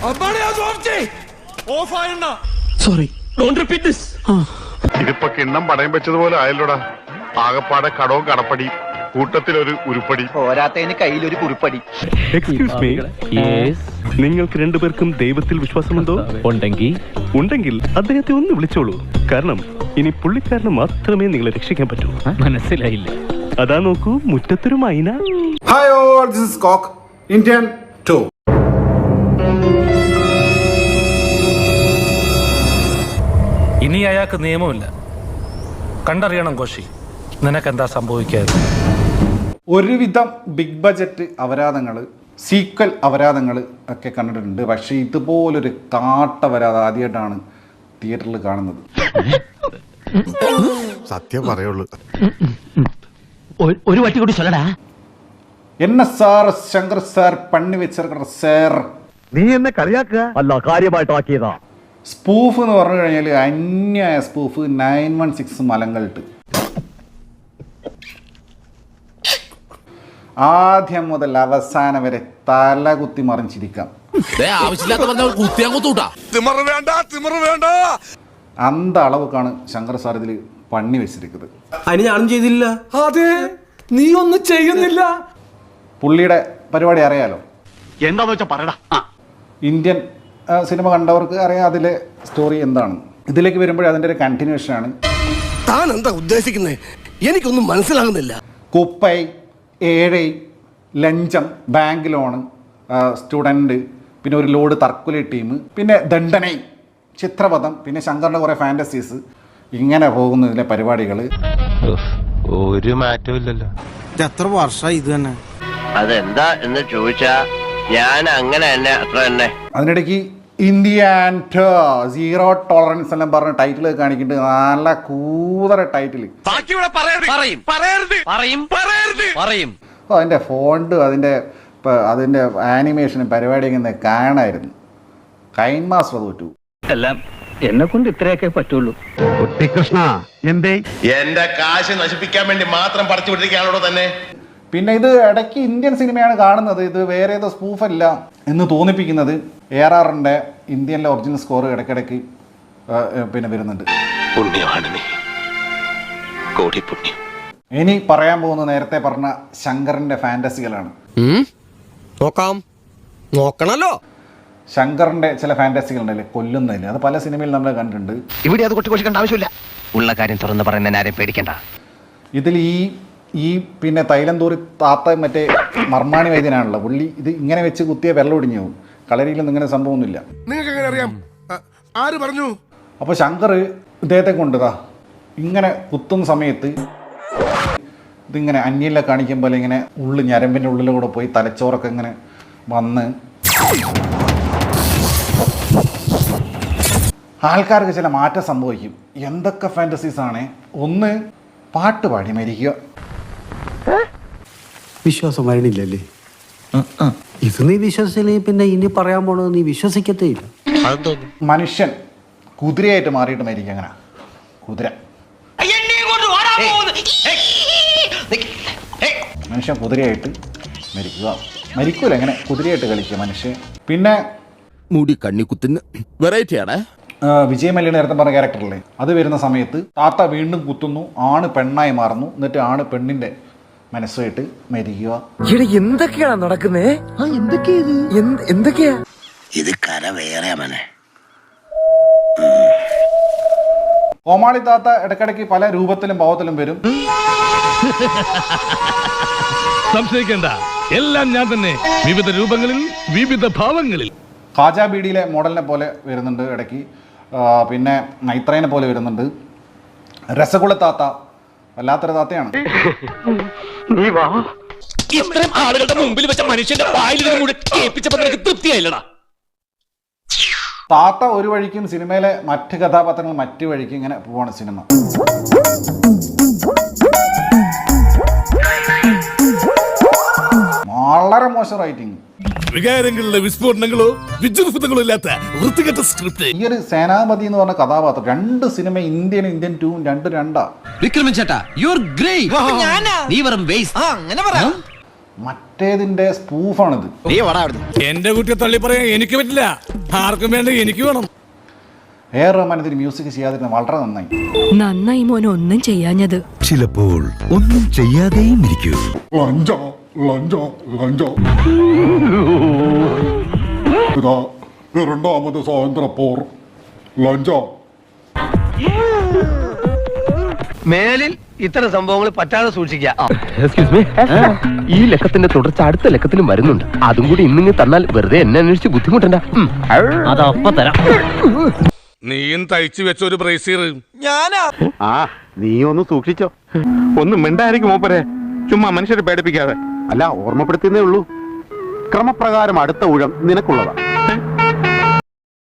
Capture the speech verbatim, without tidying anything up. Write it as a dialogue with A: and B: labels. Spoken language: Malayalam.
A: Sorry, don't repeat this.
B: ഇതിപ്പോ കിണ്ണം പടയം വെച്ചതുപോലെ ആയല്ലോടാ. ആകപ്പാടെ കടവും കടപ്പടി, കൂട്ടത്തിലൊരു ഉരുപ്പടി,
C: പോരാത്തതിന് കയ്യിലൊരു കുറിപ്പടി.
D: എക്സ്ക്യൂസ് മീ, നിങ്ങൾക്ക് രണ്ടുപേർക്കും ദൈവത്തിൽ വിശ്വാസമുണ്ടോ?
A: ഉണ്ടെങ്കിൽ
D: ഉണ്ടെങ്കിൽ അദ്ദേഹത്തെ ഒന്ന് വിളിച്ചോളൂ. കാരണം ഇനി പുള്ളിക്കാരന് മാത്രമേ നിങ്ങളെ രക്ഷിക്കാൻ പറ്റൂ.
A: മനസ്സിലായില്ല.
D: അതാ നോക്കൂ, മുറ്റത്തൊരു മൈന.
E: Hi all, this is Cock, Indian two.
F: ഇനി അയാൾക്ക് നിയമമില്ല. കണ്ടറിയണം കോശി, നിനക്കെന്താ സംഭവിക്കാതെ.
E: ഒരുവിധം ബിഗ് ബജറ്റ് അപരാധങ്ങൾ, സീക്വൽ അപരാധങ്ങൾ ഒക്കെ കണ്ടിട്ടുണ്ട്. പക്ഷേ ഇതുപോലൊരു കാട്ടപരാധം ആദ്യമായിട്ടാണ് തിയേറ്ററിൽ കാണുന്നത്.
B: സത്യം പറയുള്ളൂ.
A: ഒരു വട്ടി കൂടി ചൊല്ലടാ.
E: എന്നെ സാർ ശങ്കർ സാർ പണി വെച്ചിരിക്കണ സാർ,
D: നീ എന്നെ കളിയാക്കുക അല്ല, കാര്യമായിട്ടാക്കിയതാ.
E: സ്പൂഫ് എന്ന് പറഞ്ഞു കഴിഞ്ഞാൽ അന്യായ സ്പൂഫ്. നയൻ വൺ സിക്സ് മലങ്കൾട്ട് ആദ്യം മുതൽ അവസാനം വരെ തല കുത്തി മറിഞ്ഞിരിക്കാം. അന്ത അളവുക്കാണ് ശങ്കർ സാർ ഇതിൽ പണി വെച്ചിരിക്കുന്നത്.
G: അതിന് ഞാനും ചെയ്തില്ല. അതെ, നീ ഒന്നും ചെയ്യുന്നില്ല.
E: പുള്ളിയുടെ പരിപാടി അറിയാലോ,
D: എന്താന്ന് വെച്ചാ പറയടാ.
E: ഇന്ത്യൻ സിനിമ കണ്ടവർക്ക് അറിയാം അതിലെ സ്റ്റോറി എന്താണ്. ഇതിലേക്ക് വരുമ്പോഴേ അതിൻ്റെ ഒരു കണ്ടിന്യൂഷൻ ആണ്.
G: താൻ എന്താ ഉദ്ദേശിക്കുന്നത്? എനിക്കൊന്നും മനസ്സിലാകുന്നില്ല.
E: കുപ്പൈ, ഏഴൈ, ലഞ്ചം, ബാങ്ക് ലോണ്, സ്റ്റുഡൻറ്റ്, പിന്നെ ഒരു ലോഡ് തർക്കുലി ടീം, പിന്നെ ദണ്ഡനൈ, ചിത്രപഥം, പിന്നെ ശങ്കറിൻ്റെ കുറേ ഫാൻറ്റസീസ്, ഇങ്ങനെ പോകുന്നു ഇതിലെ പരിപാടികൾ.
B: ഒരു മാറ്റവും ഇല്ലല്ലോ.
G: എത്ര വർഷമായി ഇത് തന്നെ?
C: അതെന്താ എന്ന് ചോദിച്ചാ ഞാൻ അങ്ങനെ തന്നെ അത്ര തന്നെ.
E: അതിനിടയ്ക്ക് ഇന്ത്യ ആൻഡ് സീറോ ടോളറൻസ് എല്ലാം പറഞ്ഞ ടൈറ്റിൽ കാണിക്കുന്നുണ്ട്. നല്ല കൂതറ ടൈറ്റിൽ. അതിൻ്റെ ഫോണ്ട്, അതിൻ്റെ അതിൻ്റെ ആനിമേഷനും പരിപാടിയൊക്കെ കാണായിരുന്നു. കൈൻ മാസ്റ്റർ തോറ്റു.
A: എല്ലാം എന്നെ കൊണ്ട് ഇത്രയൊക്കെ പറ്റുള്ളൂ.
D: കൃഷ്ണ, എന്തേ
B: എന്റെ കാശ് നശിപ്പിക്കാൻ വേണ്ടി മാത്രം പറിച്ചു വിട്ടിരിക്കുകയാണോ തന്നെ.
E: പിന്നെ ഇത് ഇടയ്ക്ക് ഇന്ത്യൻ സിനിമയാണ് കാണുന്നത്, ഇത് വേറെ ഏതോ സ്പൂഫല്ല എന്ന് തോന്നിപ്പിക്കുന്നത്. എ ആർ ആറിൻ്റെ ഇന്ത്യനിലെ ഒറിജിനൽ സ്കോർ ഇടയ്ക്കിടയ്ക്ക് പിന്നെ വരുന്നുണ്ട്. ഇനി പറയാൻ പോകുന്ന നേരത്തെ പറഞ്ഞ ശങ്കറിൻ്റെ ഫാൻറ്റസികളാണ്.
G: നോക്കാം, നോക്കണല്ലോ.
E: ശങ്കറിൻ്റെ ചില ഫാൻറ്റസികളുണ്ടല്ലേ, കൊല്ലുന്നതിൽ. അത് പല സിനിമയിൽ നമ്മൾ കണ്ടിട്ടുണ്ട്.
C: ഇവിടെ അത് കൊട്ടി കൊട്ടിക്കേണ്ട ആവശ്യമില്ല. ഉള്ള കാര്യം തുറന്ന് പറയുന്ന ആരെയും പേടിക്കണ്ട.
E: ഇതിൽ ഈ ഈ പിന്നെ തൈലം തൂറി താത്ത മറ്റേ മർമാണി വൈദ്യനാണല്ലോ പുള്ളി. ഇത് ഇങ്ങനെ വെച്ച് കുത്തിയ വെള്ളം ഒടിഞ്ഞു പോകും. കളരിയിലൊന്നും ഇങ്ങനെ സംഭവമൊന്നുമില്ല.
B: നിങ്ങൾക്ക് എങ്ങനെ അറിയാം? ആര് പറഞ്ഞു?
E: അപ്പോൾ ശങ്കർ ഇദ്ദേഹത്തെ കൊണ്ടുതാ ഇങ്ങനെ കുത്തുന്ന സമയത്ത് ഇതിങ്ങനെ അന്യല്ല കാണിക്കും പോലെ ഇങ്ങനെ ഉള്ളിൽ ഞരമ്പിൻ്റെ ഉള്ളിലൂടെ പോയി തലച്ചോറൊക്കെ ഇങ്ങനെ വന്ന് ആൾക്കാർക്ക് ചില മാറ്റം സംഭവിക്കും. എന്തൊക്കെ ഫാൻറ്റസീസാണ്. ഒന്ന്, പാട്ട് പാടി മരിക്കുക.
G: വിശ്വാസം വരണില്ലല്ലേ? ഇത് നീ വിശ്വസിച്ചില്ലെങ്കിൽ പിന്നെ ഇനി പറയാൻ പോണത് നീ വിശ്വസിക്കത്തേ ഇല്ല.
E: മനുഷ്യൻ കുതിരയായിട്ട് മാറിയിട്ട് മരിക്കുക. അങ്ങനെ കുതിര മനുഷ്യൻ കുതിരയായിട്ട് മരിക്കുക. മരിക്കൂല, എങ്ങനെ കുതിരയായിട്ട് കളിക്കുക മനുഷ്യൻ. പിന്നെ
G: മുടി കണ്ണിക്കുത്തിന് വെറൈറ്റി ആണ്.
E: വിജയ് മല്യ നേരത്തെ പറഞ്ഞ ക്യാരക്ടറല്ലേ, അത് വരുന്ന സമയത്ത് താത്ത വീണ്ടും കുത്തുന്നു, ആണ് പെണ്ണായി മാറുന്നു, എന്നിട്ട് ആണ് പെണ്ണിന്റെ മനസ്സുമായിട്ട് മരിക്കുക.
G: എന്തൊക്കെയാണ് നടക്കുന്നേ? എന്തൊക്കെയാ
C: ഇത്? കര വേറെ മനെ.
E: കോമാളി താത്ത ഇടയ്ക്കിടയ്ക്ക് പല രൂപത്തിലും ഭാവത്തിലും വരും.
F: സംശയിക്കണ്ട, എല്ലാം ഞാൻ തന്നെ, വിവിധ രൂപങ്ങളിൽ വിവിധ ഭാവങ്ങളിൽ.
E: ഖാജ ബീഡിയിലെ മോഡലിനെ പോലെ വരുന്നുണ്ട് ഇടയ്ക്ക്. പിന്നെ നൈത്രേനെ പോലെ വരുന്നുണ്ട്. രസഗുള താത്ത വല്ലാത്തൊരു താത്തയാണ്.
A: ഇത്രയും ആളുകളുടെ മുമ്പിൽ വെച്ച മനുഷ്യന്റെ വായിൽ തൃപ്തിയായില്ലടാ.
E: താത്ത ഒരു വഴിക്കും സിനിമയിലെ മറ്റ് കഥാപാത്രങ്ങൾ മറ്റു വഴിക്കും ഇങ്ങനെ പോവാണ് സിനിമ. വളരെ മോശം റൈറ്റിംഗ്.
F: വികാരങ്ങളിലെ വിസ്ഫോടനങ്ങളോ വിജൃംഭങ്ങളോ ഇല്ലാത്ത വൃത്തികെട്ട സ്ക്രിപ്റ്റ്.
E: ഈ ഒരു സേനാപതി എന്ന് പറഞ്ഞ കഥാപാത്രം രണ്ട് സിനിമ ഇന്ത്യൻ ഇന്ത്യൻ ടൂ രണ്ട് രണ്ടാ.
A: വിക്രമൻ ചേട്ടാ, യു ആർ ഗ്രേറ്റ്. നീ വെറും വേസ്റ്റ്. അങ്ങനെ പറ.
E: മറ്റേതിന്റെ സ്പൂഫാണിത്.
F: എന്റെ കുട്ടിയെ തള്ളി പറയാൻ എനിക്ക് പറ്റില്ല, ആർക്കും വേണ്ട എനിക്ക് വേണം.
E: എ ആർ റഹ്മാൻ ഇതിന് മ്യൂസിക് ചെയ്യാതിരുന്ന വളരെ നന്നായി.
H: നന്നായി മോനെ ഒന്നും ചെയ്യാഞ്ഞത്.
I: ചിലപ്പോൾ ഒന്നും ചെയ്യാതെയും ഇരിക്കൂ.
B: ലഞ്ചോ ലഞ്ചോ ലഞ്ചോ ഇതാ രണ്ടാമത് സ്വാതന്ത്ര്യ പോർ ലഞ്ചോ.
C: മേലിൽ ഇത്തരം സംഭവങ്ങൾ പറ്റാതെ സൂക്ഷിക്കാം.
A: ഈ ലക്കത്തിന്റെ തുടർച്ച അടുത്ത ലക്കത്തിലും വരുന്നുണ്ട്. അതും കൂടി ഇന്നിങ്ങ് തന്നാൽ വെറുതെ എന്നെ അന്വേഷിച്ച് ബുദ്ധിമുട്ടണ്ട. അതപ്പ തരാം.
F: നീയും തയ്ച്ചു വെച്ച ഒരു ബ്രേസീർ
B: ആ നീ ഒന്ന് സൂക്ഷിച്ചോ. ഒന്ന് മിണ്ടായിരിക്കും മൂപ്പരെ, ചുമ്മാ മനുഷ്യരെ പേടിപ്പിക്കാതെ. അല്ല, ഓർമ്മപ്പെടുത്തുന്നേ ഉള്ളൂ. ക്രമപ്രകാരം അടുത്ത ഊഴം നിനക്കുള്ളതാ.